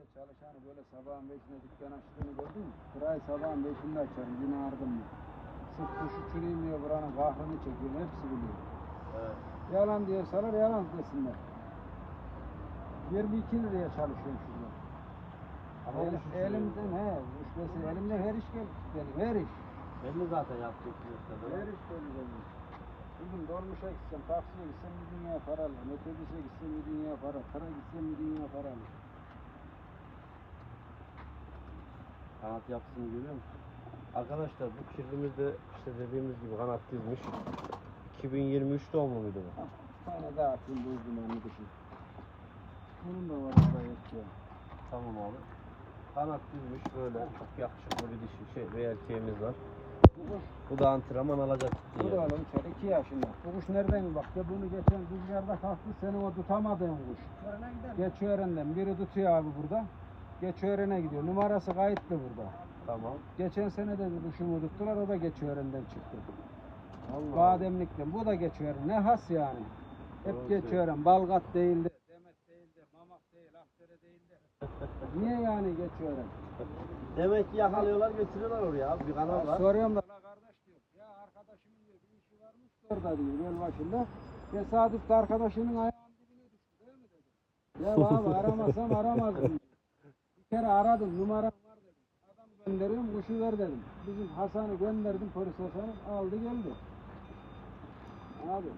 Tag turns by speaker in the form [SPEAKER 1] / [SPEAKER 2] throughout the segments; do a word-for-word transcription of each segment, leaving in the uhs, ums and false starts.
[SPEAKER 1] çalışanı böyle sabahın beşinde dükkan açtığını gördün mü? Burayı sabahın beşinde açarım, yine ardım mı? Sırf kuş uçurayım diye buranın kahrını çekiyor, hepsi biliyor.
[SPEAKER 2] Evet.
[SPEAKER 1] Yalan diyorsalar yalan desinler. yirmi iki liraya çalışıyorum şurada.
[SPEAKER 2] Ama
[SPEAKER 1] El,
[SPEAKER 2] kuş
[SPEAKER 1] elimden he, kuş mesela elimden her iş geldi benim, her iş.
[SPEAKER 2] Belli zaten yaptığı kümesler.
[SPEAKER 1] Her iş belli benim. Bugün dolmuşa gitsem, taksiye gitsem bir dünya para alırım. Otobüse gitsem bir dünya para, tıra gitsem bir dünya para alırım.
[SPEAKER 2] Kanat yapısını görüyor musun? Arkadaşlar bu kirlimizde işte dediğimiz gibi kanat dizmiş. iki bin yirmi üç doğumlu muydu bu?
[SPEAKER 1] Ah, bir tane daha atayım bu uzunlarını düşün. Bunun da var orada yok ya.
[SPEAKER 2] Tamam abi. Kanat dizmiş böyle çok yakışıklı bir dişi şey ve erkeğimiz var.
[SPEAKER 1] Bu kuş,
[SPEAKER 2] Bu da antrenman alacak.
[SPEAKER 1] bu da oğlum içeri iki yaşında. Bu kuş nereden bak ya bunu geçen rüzgarda kalktı senin o tutamadığın kuş. Geçören'den biri tutuyor abi burada. Geçören'e gidiyor. Numarası kayıtlı burada.
[SPEAKER 2] Tamam.
[SPEAKER 1] Geçen sene de bir kuşumu tuttular, o da Geçören'den çıktı.
[SPEAKER 2] Allah.
[SPEAKER 1] Bademlikten. Bu da Geçören. Ne has yani. Hep
[SPEAKER 2] Doğru
[SPEAKER 1] Geçören. Balgat değildi. Demet değildi. Mamak değil. Akdere değildi. Niye yani Geçören?
[SPEAKER 2] Demek ki yakalıyorlar götürüyorlar oraya abi. Bir kanal var.
[SPEAKER 1] Soruyorum da la kardeş diyor. Ya arkadaşımın diyor bir işi varmış orada diyor göl başında. Tesadüf de arkadaşının ayağının dibine düştü değil mi dedi. Ya abi aramasam aramazdım. Bir kere aradım numaram var dedim. Adam gönderiyorum kuşu ver dedim. Bizim Hasan'ı gönderdim, polis Hasan'ı aldı geldi. Abi.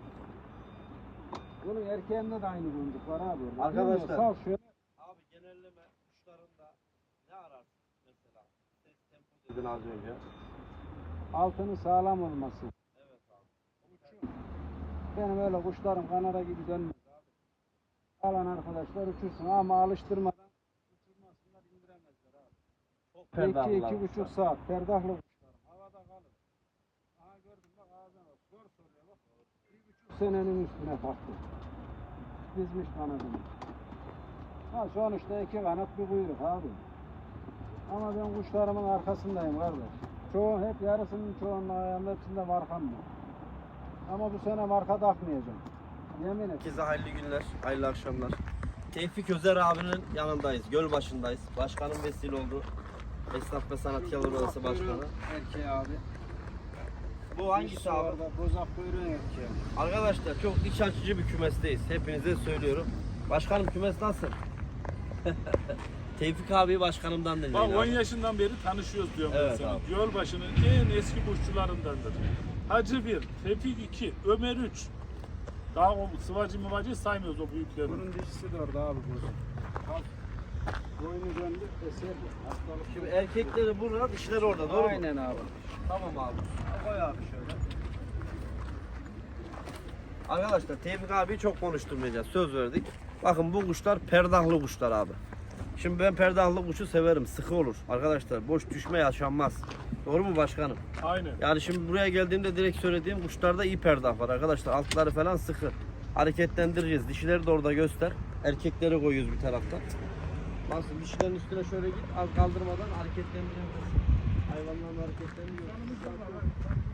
[SPEAKER 1] Bunun erkeğinde de aynı bunduk var abi.
[SPEAKER 2] Arkadaşlar.
[SPEAKER 1] Sal şöyle.
[SPEAKER 2] Abi genelleme kuşlarında ne ararsın mesela? Ses tempo dedin az önce.
[SPEAKER 1] Altının sağlam olması.
[SPEAKER 2] Evet abi.
[SPEAKER 1] Uçum. Benim öyle kuşlarım kanara gibi dönmez abi. Alan arkadaşlar uçursun ama alıştırmadan uçurmasınlar, indiremezler abi.
[SPEAKER 2] Çok
[SPEAKER 1] iki
[SPEAKER 2] perdahlılar
[SPEAKER 1] iki buçuk
[SPEAKER 2] kuşlar.
[SPEAKER 1] saat perdahlı kuşlarım. Havada kalır. Aha gördüm bak ağzına bak. Sor soruyor bak. Bir buçuk senenin üstüne kalktı. Dizmiş kanadını. Ha sonuçta iki kanat bir kuyruk abi. Ama ben kuşlarımın arkasındayım kardeş. Çoğu hep yarısının çoğunun ayağında hepsinde markam var. Ama bu sene marka takmayacağım. Yemin et.
[SPEAKER 2] Herkese hayırlı günler, hayırlı akşamlar. Tevfik Özer abinin yanındayız, göl başındayız. Başkanım vesile oldu. Esnaf ve Sanatkarlar Odası Başkanı.
[SPEAKER 1] Erkeği abi.
[SPEAKER 2] Bu hangisi abi?
[SPEAKER 1] Orada bozak kuyruğun erkeği.
[SPEAKER 2] Arkadaşlar çok iç açıcı bir kümesteyiz. Hepinize söylüyorum. Başkanım kümes nasıl? Tevfik abi başkanımdan dinleyin
[SPEAKER 3] Bak on
[SPEAKER 2] abi.
[SPEAKER 3] yaşından beri tanışıyoruz diyorum
[SPEAKER 2] Evet
[SPEAKER 3] ben sana.
[SPEAKER 2] abi.
[SPEAKER 3] Gölbaşı'nın en eski kuşçularındandır. Hacı bir, Tevfik iki, Ömer üç. Daha o sıvacı mıvacı saymıyoruz o büyükleri.
[SPEAKER 1] Bunun dişisi de orada abi bu. Al. Boynu döndü, eserdi. Hastalık.
[SPEAKER 2] Şimdi erkekleri burada, dişleri orada, doğru mu?
[SPEAKER 1] Aynen abi.
[SPEAKER 2] Tamam abi. Koy abi şöyle. Arkadaşlar Tevfik abiyi çok konuşturmayacağız. Söz verdik. Bakın bu kuşlar perdahlı kuşlar abi. Şimdi ben perdahlı kuşu severim. Sıkı olur. Arkadaşlar boş düşme yaşanmaz. Doğru mu başkanım?
[SPEAKER 3] Aynen.
[SPEAKER 2] Yani şimdi buraya geldiğimde direkt söylediğim kuşlarda iyi perdah var arkadaşlar. Altları falan sıkı. Hareketlendireceğiz. Dişileri de orada göster. Erkekleri koyuyoruz bir taraftan. Nasıl dişilerin üstüne şöyle git. Az kaldırmadan hareketlendirebilirsin. Hayvanların hareketlerini görüyorsun.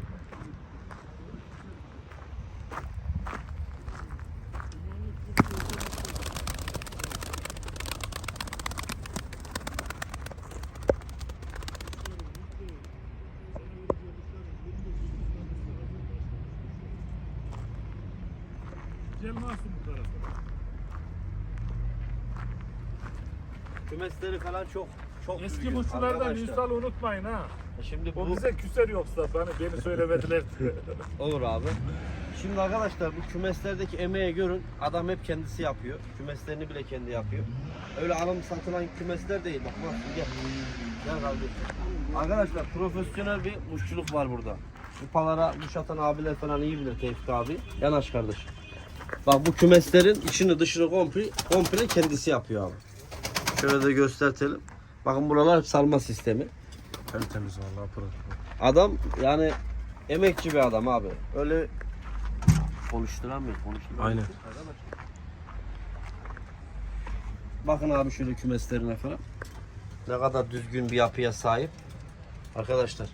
[SPEAKER 3] Gel nasıl bu tarafa?
[SPEAKER 2] Kümesleri falan çok çok
[SPEAKER 3] Eski
[SPEAKER 2] büyük
[SPEAKER 3] kuşçulardan
[SPEAKER 2] arkadaşlar.
[SPEAKER 3] Ünsal'ı unutmayın ha.
[SPEAKER 2] Şimdi
[SPEAKER 3] O
[SPEAKER 2] bu
[SPEAKER 3] bize küser yoksa bana beni söylemediler.
[SPEAKER 2] olur abi. Şimdi arkadaşlar bu kümeslerdeki emeği görün. Adam hep kendisi yapıyor. Kümeslerini bile kendi yapıyor. Öyle alım satılan kümesler değil. Bak bak gel. Gel kardeşim. Arkadaşlar profesyonel bir kuşçuluk var burada. Kupalara kuş atan abiler falan iyi bilir Tevfik abi. Yanaş kardeş. Bak bu kümeslerin içini dışını komple, komple kendisi yapıyor abi. Şöyle de göstertelim. Bakın buralar hep salma sistemi.
[SPEAKER 3] Tertemiz vallahi pırıl.
[SPEAKER 2] Adam yani emekçi bir adam abi. Öyle konuşturamıyor, konuşturamıyor.
[SPEAKER 3] Aynen.
[SPEAKER 2] Bakın abi şöyle kümeslerine falan. Ne kadar düzgün bir yapıya sahip. Arkadaşlar.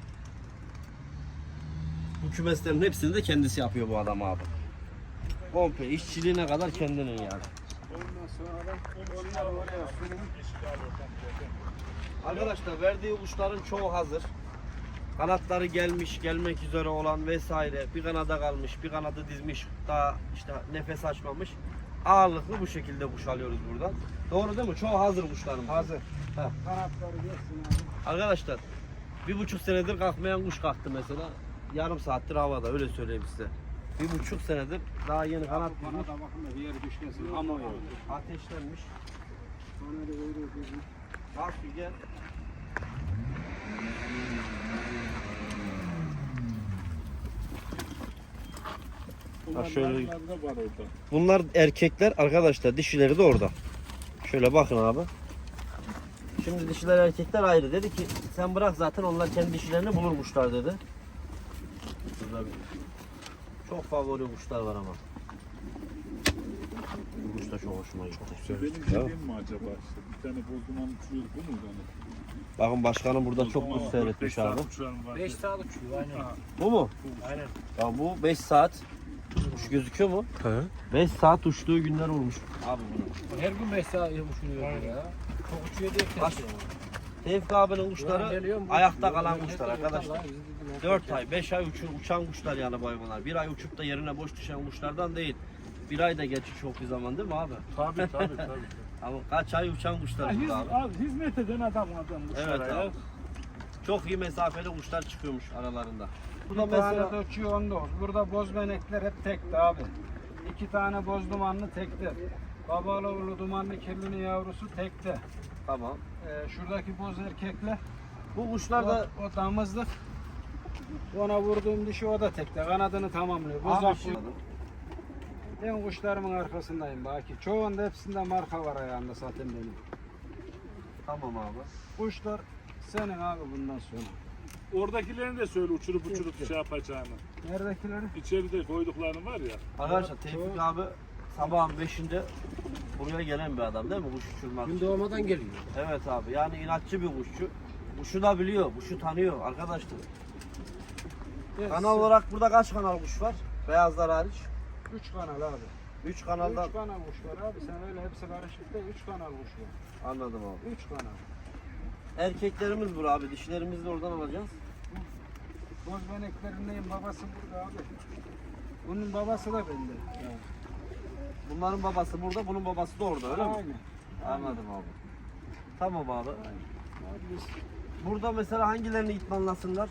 [SPEAKER 2] Bu kümeslerin hepsini de kendisi yapıyor bu adam abi. Komple işçiliğine kadar kendinin yani.
[SPEAKER 1] Ondan sonra da onları oraya sürün.
[SPEAKER 2] Arkadaşlar verdiği kuşların çoğu hazır. Kanatları gelmiş, gelmek üzere olan vesaire. Bir kanada kalmış, bir kanadı dizmiş. Daha işte nefes açmamış. Ağırlıklı bu şekilde kuş alıyoruz buradan. Doğru değil mi? Çoğu hazır kuşlarımız.
[SPEAKER 1] Hazır.
[SPEAKER 2] Heh.
[SPEAKER 1] Kanatları geçsin abi.
[SPEAKER 2] Arkadaşlar bir buçuk senedir kalkmayan kuş kalktı mesela. Yarım saattir havada, öyle söyleyeyim size. Bir buçuk senedir daha yeni kanat
[SPEAKER 1] Bana
[SPEAKER 2] bulmuş.
[SPEAKER 1] da bakın da bir yere düşmesin. Ama yok.
[SPEAKER 2] Ateşlenmiş.
[SPEAKER 1] Bana da veriyor bizim.
[SPEAKER 2] Bak bir gel.
[SPEAKER 3] Bunlar
[SPEAKER 2] şöyle-
[SPEAKER 3] da var orada.
[SPEAKER 2] Bunlar erkekler arkadaşlar, dişileri de orada. Şöyle bakın abi. Şimdi dişiler erkekler ayrı. Dedi ki sen bırak, zaten onlar kendi dişilerini bulurmuşlar dedi. Burada bir- çok favori kuşlar var ama. Bu kuş da çok hoşuma gitti.
[SPEAKER 3] Benim dediğim mi acaba işte? Bir tane bozduman uçuyor, bu mu yani?
[SPEAKER 2] Bakın başkanım burada çok kuş
[SPEAKER 3] Bozduman
[SPEAKER 2] seyretmiş
[SPEAKER 3] dört beş
[SPEAKER 2] abi.
[SPEAKER 3] saat uçuran var.
[SPEAKER 1] beş saat uçuyor aynen.
[SPEAKER 2] Bu mu?
[SPEAKER 1] Aynen.
[SPEAKER 2] Ya bu beş saat. Kuş gözüküyor mu?
[SPEAKER 4] He.
[SPEAKER 2] beş saat uçtuğu günler olmuş. Abi bunu.
[SPEAKER 1] Her gün beş saat uçuruyor ya. Çok uçuyor diye
[SPEAKER 2] Kaç? Tevfik abinin kuşları ayakta kalan kuşlar arkadaşlar. dört ay, beş ay uçu, uçan kuşlar yani bu hayvanlar. Bir ay uçup da yerine boş düşen kuşlardan değil. Bir ay da geçiş çok bir zaman değil mi abi?
[SPEAKER 3] Tabii tabii tabii.
[SPEAKER 2] Ama kaç ay uçan kuşlar
[SPEAKER 3] Hiz,
[SPEAKER 2] burada abi.
[SPEAKER 3] abi, hizmet eden adam adam kuşlara
[SPEAKER 2] Evet
[SPEAKER 3] ya.
[SPEAKER 2] abi. Çok iyi mesafeli kuşlar çıkıyormuş aralarında. Bu
[SPEAKER 1] Bir
[SPEAKER 2] da
[SPEAKER 1] tane
[SPEAKER 2] mesela
[SPEAKER 1] de uçuyor onda. Burada bozmenekler hep tekti abi. İki tane boz dumanlı tekti. Babalı oğlu dumanlı kirlinin yavrusu tekti.
[SPEAKER 2] tamam.
[SPEAKER 1] Ee, şuradaki boz erkekler
[SPEAKER 2] Bu kuşlar da
[SPEAKER 1] o, o damızlık. Ona vurduğum dişi o da tekte. Kanadını tamamlıyor. Boz
[SPEAKER 2] abi
[SPEAKER 1] aklı.
[SPEAKER 2] şimdi
[SPEAKER 1] Ben kuşlarımın arkasındayım Baki. Çoğunda hepsinde marka var ayağında zaten benim.
[SPEAKER 2] tamam abi.
[SPEAKER 1] Kuşlar senin abi bundan sonra.
[SPEAKER 3] Oradakilerini de söyle uçurup uçurup
[SPEAKER 1] Yok,
[SPEAKER 3] şey yapacağını.
[SPEAKER 1] Neredekileri?
[SPEAKER 3] İçeride koyduklarını var ya.
[SPEAKER 2] Arkadaşlar Tevfik abi sabahın beşinde buraya gelen bir adam değil mi? Kuş uçurmak için.
[SPEAKER 1] Gün doğmadan geliyor.
[SPEAKER 2] Evet abi, yani inatçı bir kuşçu. Kuşu da biliyor, kuşu tanıyor arkadaşlar. Kanal olarak burada kaç kanal kuş var? Beyazlar hariç.
[SPEAKER 1] Üç kanal abi.
[SPEAKER 2] üç kanaldan
[SPEAKER 1] Üç kanal kuş var abi. Sen öyle hepsi karışık değil. Üç kanal kuş var.
[SPEAKER 2] anladım abi.
[SPEAKER 1] Üç kanal.
[SPEAKER 2] Erkeklerimiz burada abi, dişilerimizi de oradan alacağız.
[SPEAKER 1] Boz beneklerindeyim. Babası burada abi. Bunun babası da bende. Yani.
[SPEAKER 2] Bunların babası burada, bunun babası da orada, öyle mi?
[SPEAKER 1] Aynen.
[SPEAKER 2] Anladım abi. Tamam abi.
[SPEAKER 1] Abi biz
[SPEAKER 2] Burada mesela hangilerini itmanlasınlar?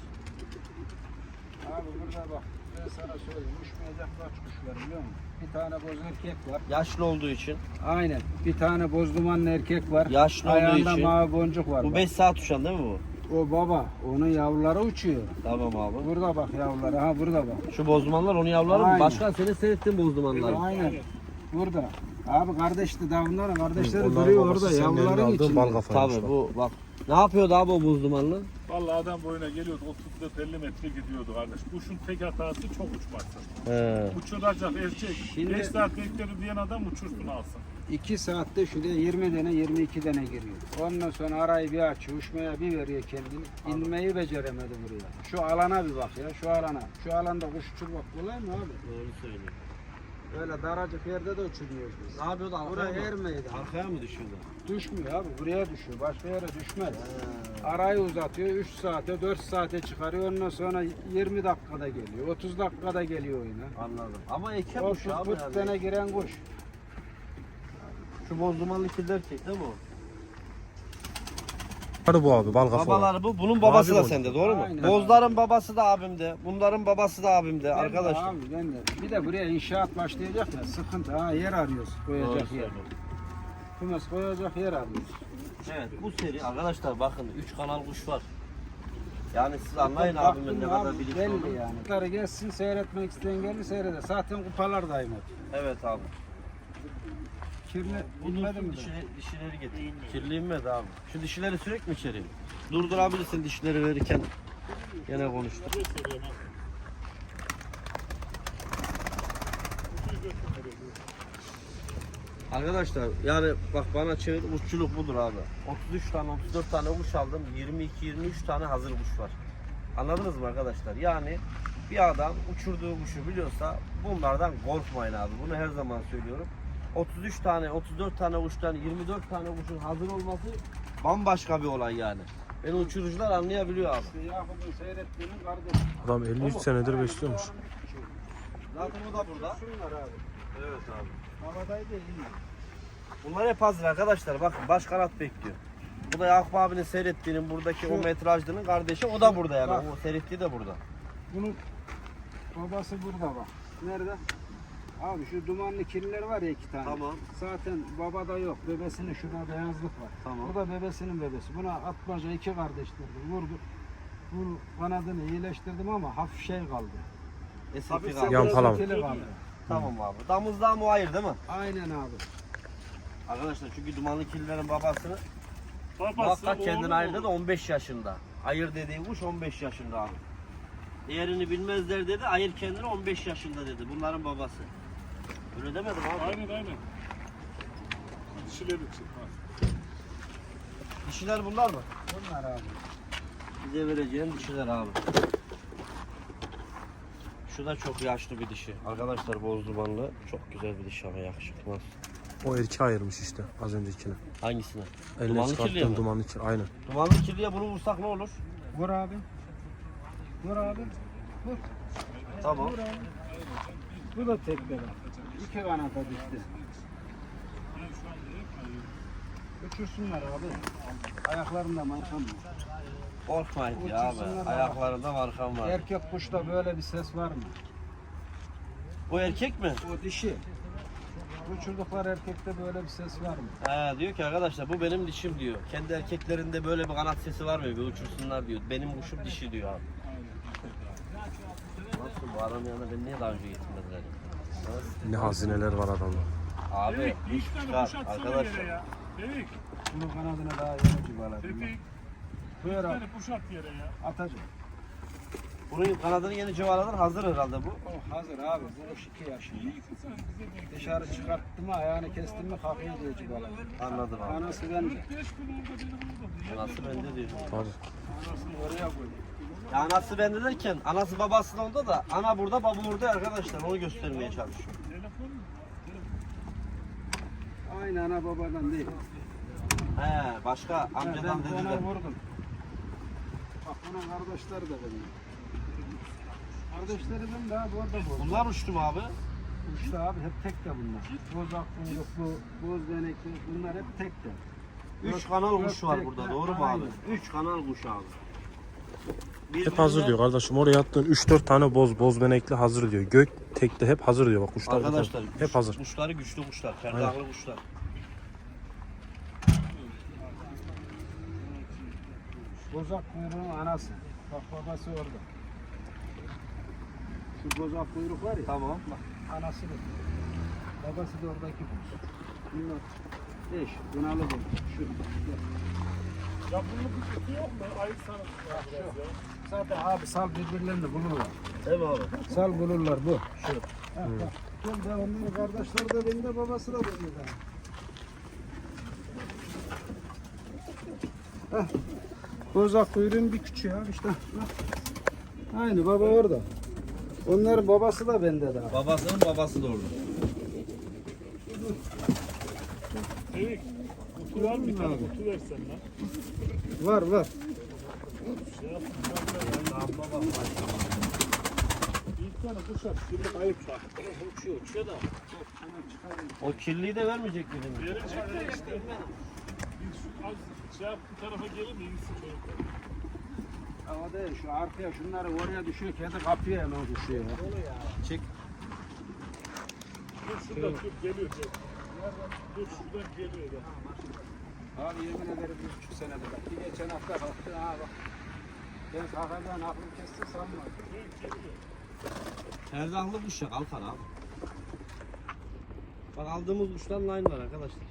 [SPEAKER 1] Abi burada bak, ben sana söyleyeyim, uçmayacak kaç kuş var biliyor musun? Bir tane boz erkek var.
[SPEAKER 2] Yaşlı olduğu için.
[SPEAKER 1] Aynen. Bir tane boz dumanlı erkek var.
[SPEAKER 2] Yaşlı olduğu
[SPEAKER 1] Ayağında
[SPEAKER 2] için.
[SPEAKER 1] mavi boncuk var.
[SPEAKER 2] Bu
[SPEAKER 1] bak.
[SPEAKER 2] beş saat uçan değil mi bu?
[SPEAKER 1] O baba, onun yavruları uçuyor.
[SPEAKER 2] Tamam abi.
[SPEAKER 1] Burada bak yavruları, ha burada bak.
[SPEAKER 2] Şu bozdumanlar onun yavruları mı?
[SPEAKER 1] Aynen.
[SPEAKER 2] Başkan senin seyrettiğin bozdumanlar.
[SPEAKER 1] Aynen. Burada. Abi kardeşti daha bunların kardeşleri
[SPEAKER 4] Onların
[SPEAKER 1] duruyor
[SPEAKER 4] babası
[SPEAKER 1] orada
[SPEAKER 4] senin elini
[SPEAKER 1] yavruların
[SPEAKER 4] aldı,
[SPEAKER 1] içinde.
[SPEAKER 4] bal kafaymış
[SPEAKER 2] Tabii
[SPEAKER 4] bak.
[SPEAKER 2] bu bak. Ne yapıyordu abi o bozdumanlı?
[SPEAKER 3] Vallahi adam boyuna geliyordu otuz dört elli metre gidiyordu kardeş. Kuşun tek hatası çok uçması.
[SPEAKER 2] He.
[SPEAKER 3] Uçuracak erkek.
[SPEAKER 1] Şimdi-
[SPEAKER 3] beş saat beklerim diyen adam uçursun alsın.
[SPEAKER 1] iki saatte şuraya yirmi tane yirmi iki tane giriyor. Ondan sonra arayı bir açıyor, uçmaya bir veriyor kendini. İnmeyi beceremedi buraya. Şu alana bir bak ya, şu alana. Şu alanda kuş uçurmak kolay mı abi?
[SPEAKER 2] Doğru söylüyor.
[SPEAKER 1] Öyle daracık yerde de uçurmuyoruz biz.
[SPEAKER 2] Ne yapıyordu arkaya
[SPEAKER 1] Buraya
[SPEAKER 2] mı?
[SPEAKER 1] yer meydan.
[SPEAKER 2] Arkaya mı düşüyordu?
[SPEAKER 1] Düşmüyor abi, buraya düşüyor. Başka yere düşmez. Arayı uzatıyor, üç saate, dört saate çıkarıyor. Ondan sonra yirmi dakikada geliyor, otuz dakikada geliyor oyuna.
[SPEAKER 2] Anladım. Ama eke
[SPEAKER 1] O
[SPEAKER 2] kuş
[SPEAKER 1] şu
[SPEAKER 2] abi
[SPEAKER 1] kırk
[SPEAKER 2] yani.
[SPEAKER 1] tane giren kuş.
[SPEAKER 2] Şu bozdumanlı kirli erkek değil mi o?
[SPEAKER 4] Hadi bu abi bal kafa.
[SPEAKER 2] Babaları bu. Bunun babası
[SPEAKER 4] Mavi
[SPEAKER 2] da
[SPEAKER 4] boncuk.
[SPEAKER 2] sende, doğru mu?
[SPEAKER 1] Aynen.
[SPEAKER 2] Bozların babası da abimde. Bunların babası da abimde
[SPEAKER 1] Ben de
[SPEAKER 2] arkadaşlar.
[SPEAKER 1] Abi, ben de. Bir de buraya inşaat başlayacak ya, sıkıntı. Ha, yer arıyoruz,
[SPEAKER 2] Doğru
[SPEAKER 1] koyacak yer.
[SPEAKER 2] söylüyorsun.
[SPEAKER 1] Kumes koyacak yer arıyoruz.
[SPEAKER 2] Evet, bu seri arkadaşlar bakın üç kanal kuş var. Yani siz anlayın
[SPEAKER 1] Baktım
[SPEAKER 2] abimin ne
[SPEAKER 1] abi,
[SPEAKER 2] kadar bilinçli
[SPEAKER 1] belli
[SPEAKER 2] olduğunu.
[SPEAKER 1] yani. Bunları gelsin, seyretmek isteyen gelir seyreder. Zaten kupalar daim hep.
[SPEAKER 2] Evet abi.
[SPEAKER 1] Kirli
[SPEAKER 2] Bu
[SPEAKER 1] bilmedi
[SPEAKER 2] dursun
[SPEAKER 1] mi? de?
[SPEAKER 2] dişileri, dişileri getir. Kirli inmedi abi. Şu dişileri sürekli mi içeri? Durdurabilirsin dişileri verirken. Gene konuştuk. Arkadaşlar yani bak bana çevir, uççuluk budur abi. otuz üç tane otuz dört tane kuş aldım. yirmi iki yirmi üç tane hazır kuş var. Anladınız mı arkadaşlar? Yani bir adam uçurduğu kuşu biliyorsa bunlardan korkmayın abi. Bunu her zaman söylüyorum. otuz üç tane, otuz dört tane kuştan yirmi dört tane kuşun hazır olması bambaşka bir olay yani. Beni uçurucular anlayabiliyor abi.
[SPEAKER 1] İşte Yakup'un seyrettiğinin kardeşi.
[SPEAKER 4] Adam elli üç senedir besliyormuş.
[SPEAKER 2] Zaten o da burada.
[SPEAKER 1] Şunlar abi.
[SPEAKER 2] Evet abi.
[SPEAKER 1] Havadayı da iyi.
[SPEAKER 2] Bunlar hep hazır arkadaşlar. Bakın baş kanat bekliyor. Bu da Yakup abinin seyrettiğinin buradaki
[SPEAKER 1] Şu-
[SPEAKER 2] o metrajlının kardeşi. O da burada yani.
[SPEAKER 1] Bak.
[SPEAKER 2] O seyrettiği de burada.
[SPEAKER 1] Bunun babası burada bak. Nerede? Abi şu dumanlı kirliler var ya iki tane.
[SPEAKER 2] Tamam.
[SPEAKER 1] Zaten babada yok. Bebesinin şurada beyazlık var.
[SPEAKER 2] Tamam.
[SPEAKER 1] Bu da bebesinin bebesi. Buna atmaca iki kardeşlerdi. Vurdu. Bu kanadını iyileştirdim ama hafif şey kaldı.
[SPEAKER 2] Eski
[SPEAKER 1] Hafif
[SPEAKER 2] abi.
[SPEAKER 4] Yan falan.
[SPEAKER 1] sekili kaldı.
[SPEAKER 2] Tamam abi. Damızlığa muayir değil mi?
[SPEAKER 1] Aynen abi.
[SPEAKER 2] Arkadaşlar çünkü dumanlı kirlilerin babasını
[SPEAKER 3] Babası,
[SPEAKER 2] muhakkak kendini
[SPEAKER 3] oğlu,
[SPEAKER 2] ayırdı da
[SPEAKER 3] oğlu.
[SPEAKER 2] on beş yaşında. Ayır dediği kuş on beş yaşında abi. Değerini bilmezler dedi. Ayır kendini on beş yaşında dedi. Bunların babası. Öyle demedim abi.
[SPEAKER 3] Aynen aynen. Dişiler için. Ha.
[SPEAKER 2] Dişiler bunlar mı?
[SPEAKER 1] Bunlar abi.
[SPEAKER 2] Bize vereceğin dişiler abi. Şu da çok yaşlı bir dişi. Arkadaşlar boz dumanlı. Çok güzel bir dişi ama yakışıklı.
[SPEAKER 4] O erkeği ayırmış işte az öncekine.
[SPEAKER 2] Hangisine?
[SPEAKER 4] Eline
[SPEAKER 2] Dumanlı kirliye mi?
[SPEAKER 4] çıkarttığım dumanlı kirli. Aynen.
[SPEAKER 2] Dumanlı kirliye bunu vursak ne olur?
[SPEAKER 1] Vur abi. Vur abi. Vur.
[SPEAKER 2] Tamam.
[SPEAKER 1] Vur abi. Bu da tekne bak. İki kanata düştü. Uçursunlar abi. Ayaklarında markam var.
[SPEAKER 2] Korkmayın ya abi.
[SPEAKER 1] Uçursunlar abi.
[SPEAKER 2] Ayaklarında markam var.
[SPEAKER 1] Erkek kuşta böyle bir ses var mı?
[SPEAKER 2] Bu erkek mi?
[SPEAKER 1] O dişi. Uçurdukları erkekte böyle bir ses var mı?
[SPEAKER 2] He, diyor ki arkadaşlar bu benim dişim diyor. Kendi erkeklerinde böyle bir kanat sesi var mı? Bir uçursunlar diyor. Benim kuşum dişi diyor abi. Nasıl bu adam yanına beni niye daha önce getirmediler? Nasıl?
[SPEAKER 4] Ne hazineler var adamda.
[SPEAKER 2] Abi
[SPEAKER 3] Tevfik, bir
[SPEAKER 2] kuş
[SPEAKER 3] iki tane
[SPEAKER 2] çıkar
[SPEAKER 3] kuş atsana yere
[SPEAKER 2] arkadaşlar.
[SPEAKER 3] ya. Tevfik,
[SPEAKER 1] Bunun kanadına daha yeni cıvaladım.
[SPEAKER 3] Tevfik.
[SPEAKER 1] Buyur
[SPEAKER 3] Bir
[SPEAKER 1] abi.
[SPEAKER 3] tane kuş at yere ya.
[SPEAKER 1] Atacağım.
[SPEAKER 2] Bunun kanadını yeni cıvaladılar. Hazır herhalde bu.
[SPEAKER 1] O hazır abi. Bu kuş iki yaşında.
[SPEAKER 3] İyi sen bize denk.
[SPEAKER 1] Dışarı çıkarttım mı ayağını kestim mi kalkıyor diyor cıvaladım.
[SPEAKER 2] Anladım abi.
[SPEAKER 1] Anası bende.
[SPEAKER 3] Beş gün orada benim orada.
[SPEAKER 2] Anası bende diyor.
[SPEAKER 4] Tabii.
[SPEAKER 1] Anasını oraya koy.
[SPEAKER 2] Ya anası bende derken anası babası da onda da ana burada baba orada arkadaşlar. Onu göstermeye çalışıyor.
[SPEAKER 3] Telefon mu?
[SPEAKER 1] Aynı ana babadan değil.
[SPEAKER 2] He başka
[SPEAKER 1] Ben
[SPEAKER 2] amcadan
[SPEAKER 1] ona
[SPEAKER 2] dediler.
[SPEAKER 1] vurdum. Bak bunun kardeşleri de benim. Kardeşleri benim daha bu arada bu.
[SPEAKER 2] Bunlar uçtu mu abi?
[SPEAKER 1] İşte abi hep tek de bunlar. Boz akkuyruklu, boz benekli bunlar hep tek de.
[SPEAKER 2] Üç kanal kuş var
[SPEAKER 1] tek
[SPEAKER 2] burada
[SPEAKER 1] de,
[SPEAKER 2] doğru mu abi?
[SPEAKER 1] aynen.
[SPEAKER 2] Üç kanal kuş abi.
[SPEAKER 4] Hep hazır diyor kardeşim. Oraya attığın üç dört tane boz boz benekli hazır diyor. Gök tekte hep hazır diyor. Bak kuşlar burada.
[SPEAKER 2] Arkadaşlar
[SPEAKER 4] hep
[SPEAKER 2] kuş-
[SPEAKER 4] hazır.
[SPEAKER 2] Kuşları güçlü kuşlar, perdahlı kuşlar.
[SPEAKER 1] Bozak kuyruğun anası. Bak babası orada. Şu bozak kuyruk var ya.
[SPEAKER 2] Tamam.
[SPEAKER 1] Bak anası da. Babası da oradaki boz. Bunlar eş. Bunalı bu. Şu.
[SPEAKER 3] Ya bunun bir kutu yok mu? Ayıp sana biraz ya.
[SPEAKER 1] Zaten abi sal birbirlerini bulurlar.
[SPEAKER 2] Değil mi abi?
[SPEAKER 1] Sal bulurlar bu. Şu. Ha, bak. Gel de onların kardeşleri de bende, babası da bende. Heh. Bozak kuyruğun bir küçüğü abi işte. Bak. Aynı baba orada. Onların babası da bende daha.
[SPEAKER 2] Babasının babası da orada.
[SPEAKER 3] Tevfik, kutu var mı? Bir tane kutu versen lan.
[SPEAKER 1] Var var.
[SPEAKER 3] Şey yapın. Bir tane kuş at. Şimdi ayıp bak.
[SPEAKER 2] Uçuyor, uçuyor da. O kirliyi de vermeyecek miydin?
[SPEAKER 3] Verecek de işte. Bir şu az şey yap bu tarafa gelin de gitsin çocuklar.
[SPEAKER 1] Ama değil şu arkaya şunları oraya düşüyor, kedi kapıya hemen düşüyor.
[SPEAKER 2] Çek.
[SPEAKER 3] Dur şuradan dur geliyor. Dur. Dur şuradan geliyor da.
[SPEAKER 1] Abi yemin ederim bir buçuk senedir bak. Bir geçen hafta kalktı ha bak. Ben kalkacağını aklım kesti sanma.
[SPEAKER 2] Perdahlı kuş ya Altan abi. Bak aldığımız kuşlarla aynı var arkadaşlar.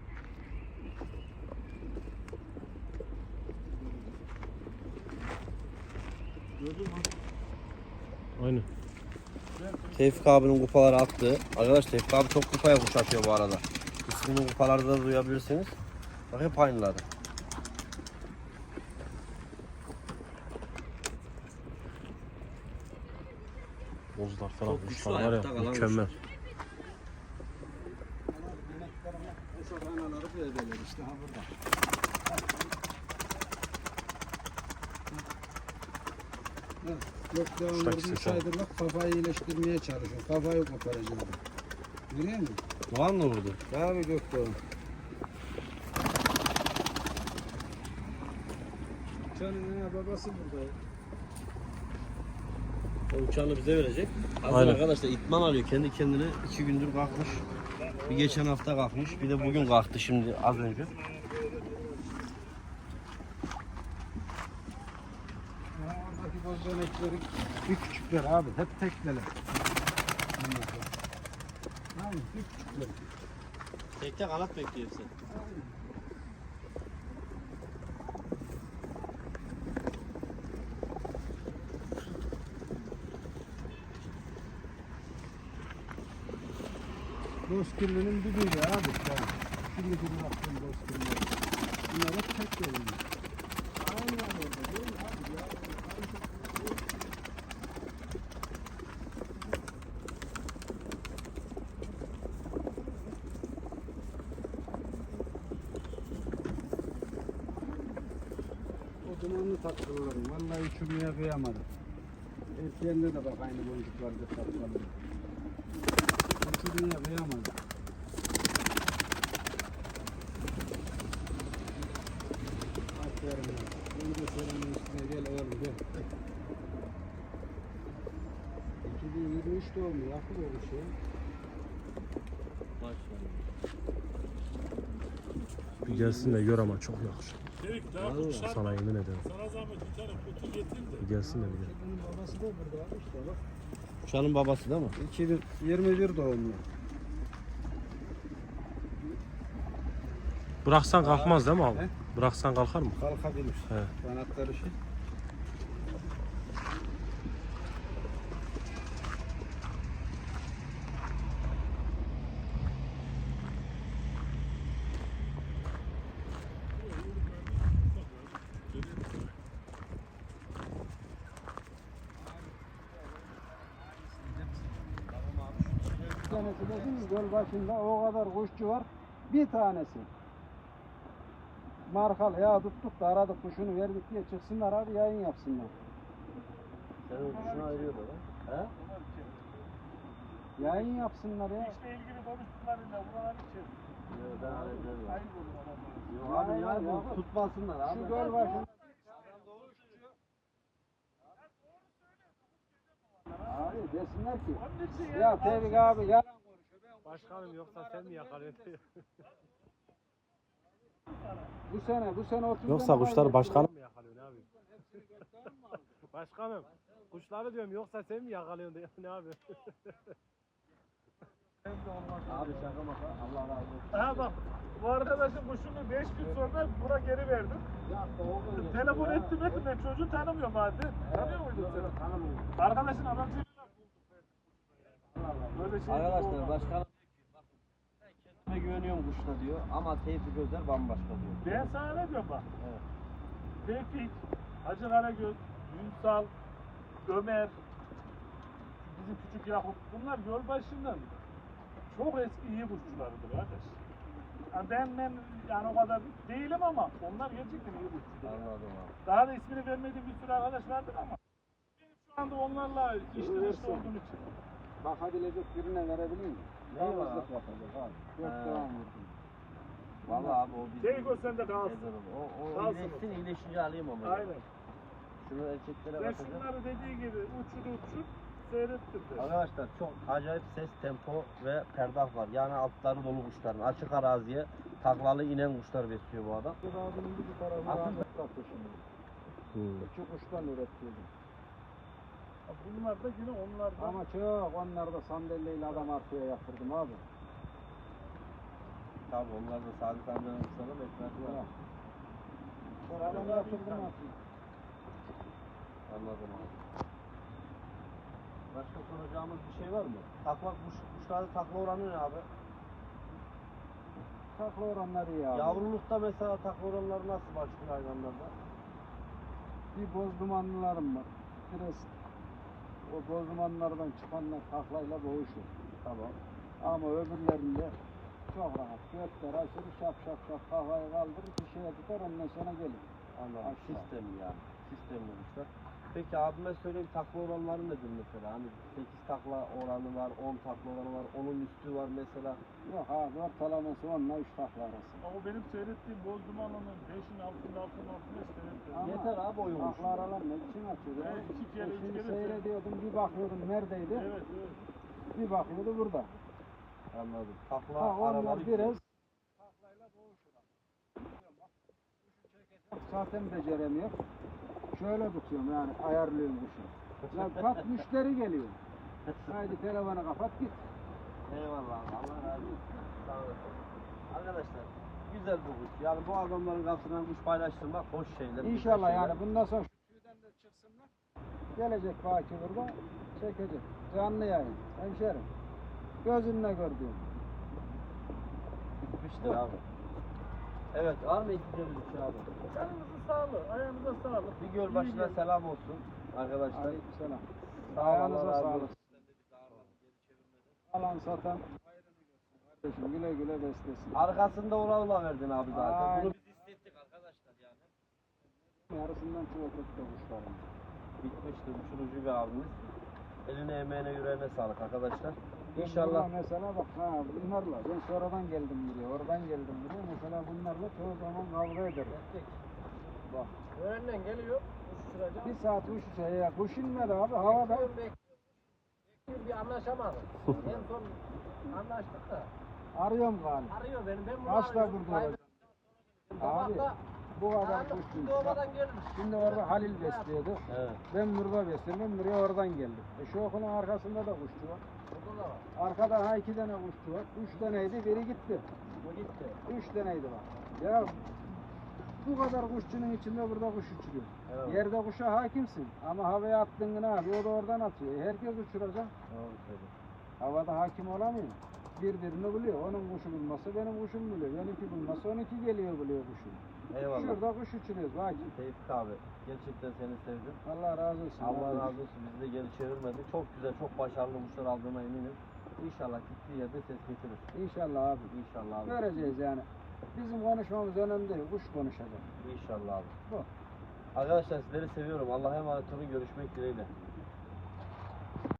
[SPEAKER 1] Gördün mü?
[SPEAKER 4] Aynen.
[SPEAKER 2] Tevfik abinin kupaları attı. Arkadaş Tevfik abi çok kupaya kuş atıyor bu arada. İsminin kupalarda da duyabilirsiniz. Bak hep aynıları.
[SPEAKER 4] Bozlar falan
[SPEAKER 2] Çok güçlü
[SPEAKER 4] kuşlar var
[SPEAKER 2] ayakta
[SPEAKER 4] ya
[SPEAKER 2] kalan
[SPEAKER 4] mükemmel.
[SPEAKER 2] kuşlar.
[SPEAKER 1] işte ha burada. Yok daha
[SPEAKER 4] Şuradaki
[SPEAKER 1] vurmuş
[SPEAKER 4] ses al.
[SPEAKER 1] aydırlık kafayı iyileştirmeye çalışıyor. Kafayı koparacağım. Görüyor musun?
[SPEAKER 2] Doğan mı vurdu?
[SPEAKER 1] Abi Gökdoğan. Uçanın ha, babası burada.
[SPEAKER 2] O uçağını bize verecek. Hazır
[SPEAKER 4] Aynen.
[SPEAKER 2] arkadaşlar itman alıyor kendi kendine. iki gündür kalkmış. Bir geçen hafta kalkmış. Bir de bugün kalktı şimdi az önce.
[SPEAKER 1] Ha, oradaki boz dönekleri bir küçükler abi. Hep tekneler. Aynen bir küçükler.
[SPEAKER 2] Tekte kanat bekliyor sen.
[SPEAKER 1] Bozkirli'nin dibiydi abi. Yani. Şimdi bir baktım Bozkirli'ye. Bunlar hep tekneler. Aynen orada değil mi abi? Ya, o dumanlı tatlılarım. Vallahi uçurmaya kıyamadım. Erkeğinde de bak aynı boncuklarda tatlılarım. Uçurmaya kıyamadım. Aferin ya. Önce senin üstüne gel oğlum gel. iki bin yirmi üç doğumlu yakın olmuş ya.
[SPEAKER 4] Bir gelsin de gör ama çok yakışır.
[SPEAKER 3] Tevfik daha
[SPEAKER 2] Vallahi
[SPEAKER 3] kuşlar
[SPEAKER 4] Sana yemin ederim.
[SPEAKER 3] sana zahmet bir tane kutu getir de.
[SPEAKER 4] Bir gelsin de bir gel.
[SPEAKER 1] Bunun babası da burada abi işte bak.
[SPEAKER 2] Uçağın babası değil mi?
[SPEAKER 1] iki bin yirmi bir doğumlu.
[SPEAKER 4] Bıraksan kalkmaz değil mi abi?
[SPEAKER 1] He?
[SPEAKER 4] Bıraksan kalkar mı?
[SPEAKER 1] Kalkabilir.
[SPEAKER 4] He.
[SPEAKER 1] Kanatları şey. Bir tanesi dedim göl başında o kadar kuşçu var. Bir tanesi. Markal ya tuttuk da aradık kuşunu verdik diye çıksınlar abi yayın yapsınlar.
[SPEAKER 2] Sen o kuşunu ayırıyor da lan. He?
[SPEAKER 1] Yayın yapsınlar ya.
[SPEAKER 3] İşle ilgili konuştuklarıyla buralar için.
[SPEAKER 2] Yok ben hallederim.
[SPEAKER 3] Ayıp olur adamlar.
[SPEAKER 2] Yok abi ya
[SPEAKER 1] Aynen,
[SPEAKER 2] bu
[SPEAKER 1] abi.
[SPEAKER 2] tutmasınlar abi.
[SPEAKER 1] Şu göl başında. Abi desinler ki
[SPEAKER 3] Onun için
[SPEAKER 1] ya Tevfik abi yalan konuşuyor. Ben
[SPEAKER 4] Başkanım yoksa sen mi yakalıyorsun?
[SPEAKER 1] bu sene bu sene otuz
[SPEAKER 4] Yoksa
[SPEAKER 1] tane
[SPEAKER 4] kuşları
[SPEAKER 1] kaybettim.
[SPEAKER 4] başkanım mı yakalıyorsun abi? Başkanım kuşları diyorum yoksa sen mi yakalıyorsun diyor ne abi?
[SPEAKER 2] Abi şaka maka Allah razı olsun.
[SPEAKER 3] Ha bak bu arkadaşın kuşunu beş gün sonra buna geri verdim.
[SPEAKER 1] Ya doğru geçti
[SPEAKER 3] Telefon
[SPEAKER 1] ya.
[SPEAKER 3] ettim ettim ben çocuğu tanımıyorum hadi. Tanıyor muydun sen?
[SPEAKER 1] Tanımıyorum.
[SPEAKER 3] Arkadaşın anasıyla böyle şey
[SPEAKER 2] Arkadaşlar
[SPEAKER 3] olmaz.
[SPEAKER 2] başkanım ben kendime güveniyorum kuşla diyor ama Tevfik Özer bambaşka diyor.
[SPEAKER 3] Ben sana ne diyorum bak.
[SPEAKER 2] Evet.
[SPEAKER 3] Tevfik, Hacı Karagöz, Ünsal, Ömer, bizim küçük Yakup bunlar yol başından çok eski iyi kuşçularıdır kardeş. Yani ben, ben yani o kadar değilim ama onlar gerçekten iyi kuşçular.
[SPEAKER 2] Anladım abi.
[SPEAKER 3] Daha da ismini vermediğim bir sürü arkadaş vardır ama benim şu anda onlarla içli dışlı olduğum için.
[SPEAKER 1] Bakabilecek birine verebilir miyim?
[SPEAKER 2] Ne var
[SPEAKER 1] Yalnızlık
[SPEAKER 2] abi?
[SPEAKER 1] yapacak abi. Dört
[SPEAKER 2] He.
[SPEAKER 1] devam vurdum.
[SPEAKER 2] Vallahi abi o bizim.
[SPEAKER 3] Tevfik o sende kalsın.
[SPEAKER 2] Ezerim. O, o
[SPEAKER 3] Kalsın
[SPEAKER 2] iyileşsin iyileşince alayım onu.
[SPEAKER 3] Aynen.
[SPEAKER 2] Şunu erkeklere
[SPEAKER 3] Sen
[SPEAKER 2] bakacağım.
[SPEAKER 3] şunları dediği gibi uçur uçur seyrettir de.
[SPEAKER 2] Arkadaşlar çok acayip ses, tempo ve perdah var. Yani altları dolu kuşların. Açık araziye taklalı inen kuşlar besliyor bu adam.
[SPEAKER 1] Bir abinin bir tarafı
[SPEAKER 2] Aslında-
[SPEAKER 1] rahmet kaptı şimdi.
[SPEAKER 4] Hmm.
[SPEAKER 1] İki kuştan üretiyordum.
[SPEAKER 3] Bunlar da yine onlardan.
[SPEAKER 1] Ama çok onlarda sandalyeyle adam arkaya yatırdım abi.
[SPEAKER 2] Tabi onlar da Sadık amcanın kuşları besliyor.
[SPEAKER 1] Ya. Sonra adam yatırdım aslında.
[SPEAKER 2] Anladım abi. Başka soracağımız bir şey var mı? Takla kuş, kuşlarda takla oranı ne abi?
[SPEAKER 1] Takla oranları iyi abi.
[SPEAKER 2] Yavrulukta mesela takla oranları nasıl başlıyor hayvanlarda?
[SPEAKER 1] Bir boz dumanlılarım var. Biraz o boz dumanlardan çıkanlar taklayla boğuşur.
[SPEAKER 2] Tamam.
[SPEAKER 1] Ama öbürlerinde Çok rahat. Gökler açılır, şap şap şap kafayı kaldırır, bir şeye tutar, ondan sonra gelir.
[SPEAKER 2] Anladım.
[SPEAKER 1] Aşağı.
[SPEAKER 2] Sistemli yani. Sistemli kuşlar. Peki abime söyleyeyim, takla oranları nedir mesela? Hani sekiz takla oranı var, on takla oranı var, onun üstü var mesela.
[SPEAKER 1] Yok abi, ortalaması onunla üç takla arası.
[SPEAKER 3] Ama benim seyrettiğim boz dumanının beşin altında altında altında seyrettim.
[SPEAKER 1] Ama
[SPEAKER 2] Yeter abi oyun
[SPEAKER 1] takla
[SPEAKER 2] kuşu.
[SPEAKER 1] aralar ne biçim açıyor?
[SPEAKER 3] Evet, iki kere, üç
[SPEAKER 1] Şimdi
[SPEAKER 3] kere
[SPEAKER 1] seyrediyordum, bir bakıyordum neredeydi,
[SPEAKER 3] Evet evet.
[SPEAKER 1] bir bakıyordu burada.
[SPEAKER 2] Anladım. Takla
[SPEAKER 1] Ha, onlar
[SPEAKER 2] araları
[SPEAKER 1] biraz
[SPEAKER 2] güzel.
[SPEAKER 1] taklayla boğuşuyor. Zaten beceremiyor. Şöyle tutuyorum yani, ayarlıyorum kuşu. Ya bak müşteri geliyor. Haydi telefonu kapat git.
[SPEAKER 2] Eyvallah abi, Allah razı olsun. Sağ olasın. Arkadaşlar güzel bu kuş. Yani bu adamların kapısından kuş paylaştırmak hoş şeyler. güzel
[SPEAKER 1] İnşallah
[SPEAKER 2] şeyler.
[SPEAKER 1] yani bundan sonra şu tüyden de çıksınlar. Gelecek Baki burada çekecek. Canlı yayın. Hemşerim. Gözünle gördüğüm.
[SPEAKER 2] Bitmiştir abi. Evet, var mı ekleyeceğimiz bir şey abi?
[SPEAKER 3] Canınızın sağlığı, ayağınıza sağlık.
[SPEAKER 2] Bir göl başına
[SPEAKER 3] İyi
[SPEAKER 2] selam olsun arkadaşlar.
[SPEAKER 1] Aleykümselam.
[SPEAKER 2] Sağ ol,
[SPEAKER 1] Ayağınıza
[SPEAKER 2] Allah razı
[SPEAKER 1] sağlık.
[SPEAKER 2] olsun. Sen de bizi ağırladın, geri çevirmedin.
[SPEAKER 1] Alan satan hayrını görsün kardeşim. Güle güle beslesin.
[SPEAKER 2] Arkasında Ural'la verdin abi zaten.
[SPEAKER 1] Aynen.
[SPEAKER 2] Bunu biz hissettik arkadaşlar yani.
[SPEAKER 1] Yarısından çok öteki kuşlarım.
[SPEAKER 2] Bitmiştir uçurucu bir abimiz. Eline emeğine yüreğine sağlık arkadaşlar.
[SPEAKER 1] Ben
[SPEAKER 2] İnşallah.
[SPEAKER 1] burada mesela bak ha bunlarla ben sonradan geldim buraya, oradan geldim buraya. Mesela bunlarla çoğu zaman kavga ederim. Bak
[SPEAKER 5] Öğrenden geliyor, uçuşturacağım.
[SPEAKER 1] bir saat uç uçaya ya. Kuş inmedi abi havada.
[SPEAKER 5] Bekliyorum, bekliyorum. Bir anlaşamadık. En son anlaştık da.
[SPEAKER 1] Arıyorum galiba.
[SPEAKER 5] Arıyor beni, ben bunu
[SPEAKER 1] Kaçta
[SPEAKER 5] arıyorum.
[SPEAKER 1] burada olacak? Abi
[SPEAKER 5] Sabahta
[SPEAKER 1] bu kadar
[SPEAKER 5] karanlık
[SPEAKER 1] kuş
[SPEAKER 5] şimdi
[SPEAKER 1] değil. Bak,
[SPEAKER 5] oradan gelmiş.
[SPEAKER 1] şimdi orada Halil besliyordu.
[SPEAKER 2] Evet.
[SPEAKER 1] Ben burada besliyorum. Ben buraya oradan geldim. E şu okulun arkasında da kuşçu var.
[SPEAKER 5] Burada da var.
[SPEAKER 1] Arkada ha iki tane kuşçu var. Üç taneydi, biri gitti.
[SPEAKER 5] Bu gitti.
[SPEAKER 1] Üç taneydi var. Ya bu kadar kuşçunun içinde burada kuş uçuruyor.
[SPEAKER 2] Evet.
[SPEAKER 1] Yerde kuşa hakimsin ama havaya attın ne abi o da oradan atıyor. E herkes uçuracak.
[SPEAKER 2] Doğru söylüyorsun.
[SPEAKER 1] Havada hakim olamıyor. Birbirini buluyor. Onun kuşu bulması benim kuşum buluyor. Benimki bulması onunki geliyor buluyor kuşu.
[SPEAKER 2] Eyvallah.
[SPEAKER 1] Şurada kuş uçuruyoruz bak.
[SPEAKER 2] Tevfik abi. Gerçekten seni sevdim.
[SPEAKER 1] Allah razı olsun.
[SPEAKER 2] Allah
[SPEAKER 1] kardeşim.
[SPEAKER 2] razı olsun. Bizi de geri çevirmedin. Çok güzel, çok başarılı kuşlar aldığına eminim. İnşallah gittiği yerde ses getirir.
[SPEAKER 1] İnşallah abi.
[SPEAKER 2] İnşallah abi.
[SPEAKER 1] Göreceğiz yani. Bizim konuşmamız önemli değil. Kuş konuşacak.
[SPEAKER 2] İnşallah abi.
[SPEAKER 1] Bu.
[SPEAKER 2] Arkadaşlar sizleri seviyorum. Allah'a emanet olun. Görüşmek dileğiyle.